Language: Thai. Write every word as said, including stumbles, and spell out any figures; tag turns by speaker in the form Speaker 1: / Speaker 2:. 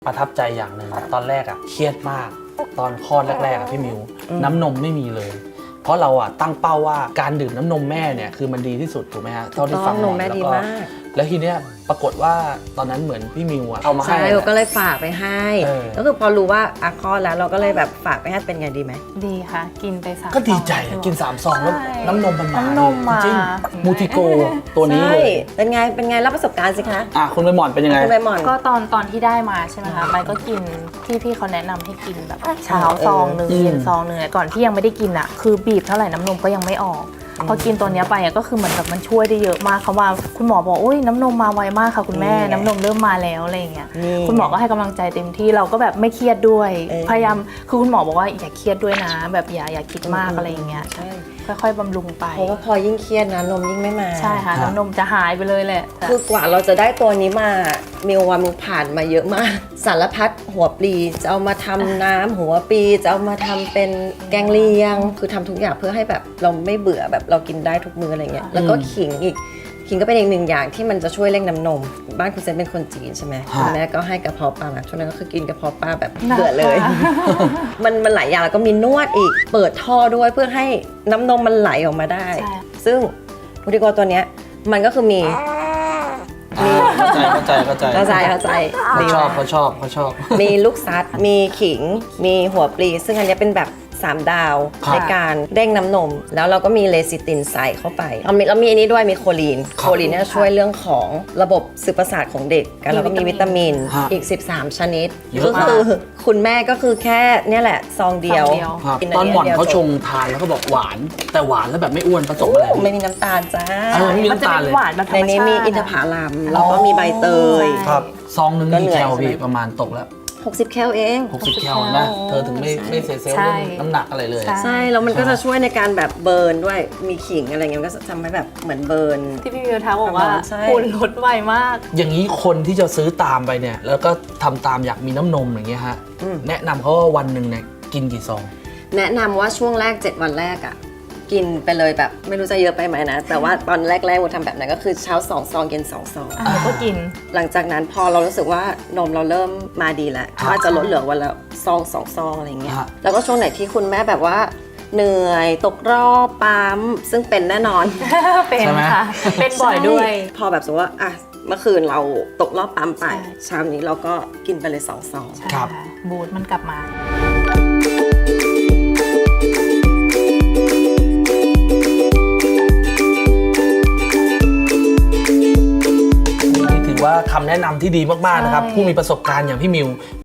Speaker 1: ประทับใจอย่างหนึ่งตอนแรกอะเครียดมากตอนคลอดแรกๆอะพี่มิวน้ำนมไม่มีเลย เพราะเราอะตั้งเป้าว่าการดื่มน้ำนมแม่เนี่ยคือมันดีที่สุดถูกไหมฮะเท่าที่ฟังหมอแล้วก็แล้วทีเนี้ยปรากฏว่าตอนนั้นเหมือนพี่มิวอะเอามาให้
Speaker 2: ใช่เราก็เลยฝากไปให้ก็คือพอรู้ว่าอาคลอดแล้วเราก็เลยแบบฝากไปให้เป็นไงดีไหม
Speaker 3: ดีค่ะกินไปสาม
Speaker 1: ก็ดีใจกินสามซองแล้วน้ำนมมันมา
Speaker 3: น้ำนมมา
Speaker 1: จริงมูทิโกตัวนี้เลย
Speaker 2: เป็นไงเป็นไงรับประสบการณ์สิคะ
Speaker 1: อ่ะคุณใบหม่อนเป็นยังไง
Speaker 2: คุณใบหม่อน
Speaker 3: ก็ตอนตอนที่ได้มาใช่ไหมคะมันก็กินที่พี่เขาแนะนำให้กินแบบเช้าซองหนึ่งเย็นซองหนึ่งก่อนที่ยังไม่ได้กินอ่ะคือบีบเท่าไหร่น้ำนมก็ยังไม่ออกพอกินตัวนี้ไปก็คือเหมือนแบบมันช่วยได้เยอะมากเขาว่าคุณหมอบอกอุ้ยน้ำนมมาไวมากค่ะคุณแม่น้ำนมเริ่มมาแล้วอะไรอย่างเงี้ยคุณหมอก็ให้กำลังใจเต็มที่เราก็แบบไม่เครียดด้วยพยายามคือคุณหมอบอกว่าอย่าเครียดด้วยนะแบบอย่าอย่าคิดมากอะไรอย่างเงี้ยค่อยๆบำรุงไป
Speaker 2: เพราะว่าพอยิ่งเครียดนะนมยิ่งไม่มา
Speaker 3: ใช่ค่ะน้ำนมจะหายไปเลยแหละ
Speaker 2: คือกว่าเราจะได้ตัวนี้มามิวว่ามิวผ่านมาเยอะมากสารพัดหัวปลีจะเอามาทำน้ำหัวปลีจะเอามาทำเป็นแกงเลียงคือทำทุกอย่างเพื่อให้แบบเราไม่เบื่อแบบเรากินได้ทุกมื้ออะไรเงี้ยแล้วก็ขิงอีกขิงก็เป็นอีกหนึ่งอย่างที่มันจะช่วยเร่งน้ำนมบ้านคุณเซนเป็นคนจีนใช่ไหมคุณแม่ก็ให้กระเพาะปลาช่วงนั้นก็คือกินกระเพาะปลาแบบเบื่อเลยมันมันหลายอย่างแล้วก็มีนวดอีกเปิดท่อด้วยเพื่อให้น้ำนมมันไหลออกมาได้ซึ่งพูดดีกว่าตัวเนี้ยมันก็คือมี
Speaker 1: เข้าใจเข้าใจเข้าใจ
Speaker 2: เข้าใจเข้าใจ
Speaker 1: เขาชอบเขาชอบเขาชอบ
Speaker 2: มีลูกซัดมีขิงมีหัวปลีซึ่งอันนี้เป็นแบบสามดาวในการเร่งน้ำนมแล้วเราก็มีเลซิตินใส่เข้าไปเรามีเรามีอันนี้ด้วยมีโคลีนโคลีนเนี่ยช่วยเรื่องของระบบสื่อประสาทของเด็กแล้วเราก็มีวิตามินอีกสิบสามชนิดก็คือคุณแม่ก็คือแค่เนี่ยแหละซองเดียว
Speaker 1: ตอนหม่อนเขาชงทานแล้วก็บอกหวานแต่หวานแล้วแบบไม่อ้วนผสมอะไร
Speaker 2: ไม่มีน้ำตาลจ้า
Speaker 1: ไม่มีน้ำตาลเลย
Speaker 2: ในนี้มีอินทผลัมแล้วก็มีใบเตย
Speaker 1: ครับซองนึงกี่แคลพี่ประมาณตกแล้ว
Speaker 2: หกสิบแคลเอง
Speaker 1: หกสิบแคลนะเธอถึงไม่ไม่เสียเซลล์เรื่องน้ำหนักอะไรเลย
Speaker 2: ใช่แล้วมันก็จะช่วยในการแบบเบิร์นด้วยมีขิงอะไรเงี้ยก็ทำให้แบบเหมือนเบิร์น
Speaker 3: ที่พี่มิวท้าบอกว่าคุณลดไวมาก
Speaker 1: อย่างนี้คนที่จะซื้อตามไปเนี่ยแล้วก็ทำตามอยากมีน้ำนมอย่างเงี้ยฮะแนะนำเขาว่าวันหนึ่งเนี่ยกินกี่ซอง
Speaker 2: แนะนำว่าช่วงแรกเจ็ดวันแรกอ่ะกินไปเลยแบบไม่รู้จะเยอะไปไหมนะแต่ว่าตอนแรกๆเราทำแบบนั้นก็คือเช้าสองซองเย็นสองซอง
Speaker 3: ก็กิน
Speaker 2: หลังจากนั้นพอเรารู้สึกว่านมเราเริ่มมาดีแล้วก็จะลดเหลือวันละซองสองซองอะไรเงี้ยแล้วก็ช่วงไหนที่คุณแม่แบบว่าเหนื่อยตกรอบปั๊มซึ่งเป็นแน่นอน
Speaker 3: เป็นค่ะเป็นบ่อยด้วย
Speaker 2: พอแบบสมมติว่าอ่ะเมื่อคืนเราตกรอบปั๊มไปเช้านี้เราก็กินไปเลยสองซอง
Speaker 1: ครับ
Speaker 3: บูทมันกลับมา
Speaker 1: ว่าคำแนะนำที่ดีมากๆนะครับผู้มีประสบการณ์อย่างพี่มิว